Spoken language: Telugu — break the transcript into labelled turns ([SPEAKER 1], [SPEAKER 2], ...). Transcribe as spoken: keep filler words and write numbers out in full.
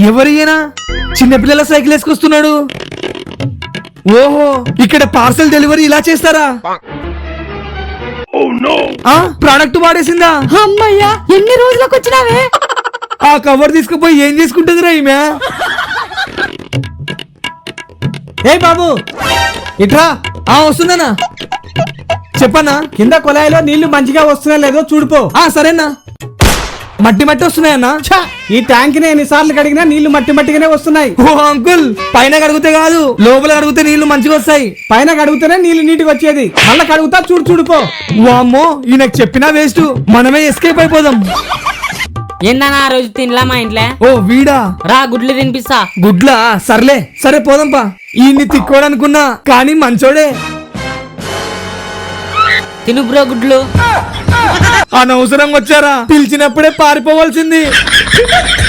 [SPEAKER 1] ఎవరియనా చిన్నపిల్లల సైకిల్ వేసుకొస్తున్నాడు? ఓహో, ఇక్కడ పార్సల్ డెలివరీ ఇలా చేస్తారా? ప్రోడక్ట్ వాడేసిందా?
[SPEAKER 2] అమ్మయ్యా, ఎన్ని రోజులకు వచ్చినావే?
[SPEAKER 1] ఆ కవర్ తీసుకుపోయి ఏం చేసుకుంటుందిరా ఈమె?
[SPEAKER 3] ఏ బాబు
[SPEAKER 1] ఇట్రా. ఆ వస్తుందన్నా. చెప్పన్నా.
[SPEAKER 3] కింద కొలాయిలో నీళ్లు మంచిగా వస్తున్నా లేదో చూడిపో.
[SPEAKER 1] ఆ సరేనా. మట్టి మట్టి వస్తున్నాయన్నా.
[SPEAKER 3] ఈ ట్యాంక్ ని ఎన్నిసార్లు కడిగినా నీళ్లు మట్టి మట్టిగానే వస్తున్నాయి.
[SPEAKER 1] ఓ అంకుల్, పైన కడిగితే కాదు లోపల కడిగితే నీళ్లు మంచిగా వస్తాయి.
[SPEAKER 3] పైన కడుగుతూనే నీళ్లు నీటికి వచ్చేది, మళ్ళా కడుగుతా చూడు చూడిపో.
[SPEAKER 1] వామ్మో, ఈయనకు చెప్పినా వేస్ట్, మనమే ఎస్కేప్ అయిపోదాం.
[SPEAKER 2] ఏందన్నా ఆ రోజు తినలా మా ఇంట్లో?
[SPEAKER 1] ఓ వీడా,
[SPEAKER 2] రా గుడ్లు తినిపిస్తా.
[SPEAKER 1] గుడ్లా? సర్లే సరే పోదాంపా. ఈయన్ని తిక్కోడనుకున్నా కానీ మంచోడే.
[SPEAKER 2] తిను బ్రో గుడ్లు.
[SPEAKER 1] అనవసరంగా వచ్చారా? పిలిచినప్పుడే పారిపోవాల్సింది.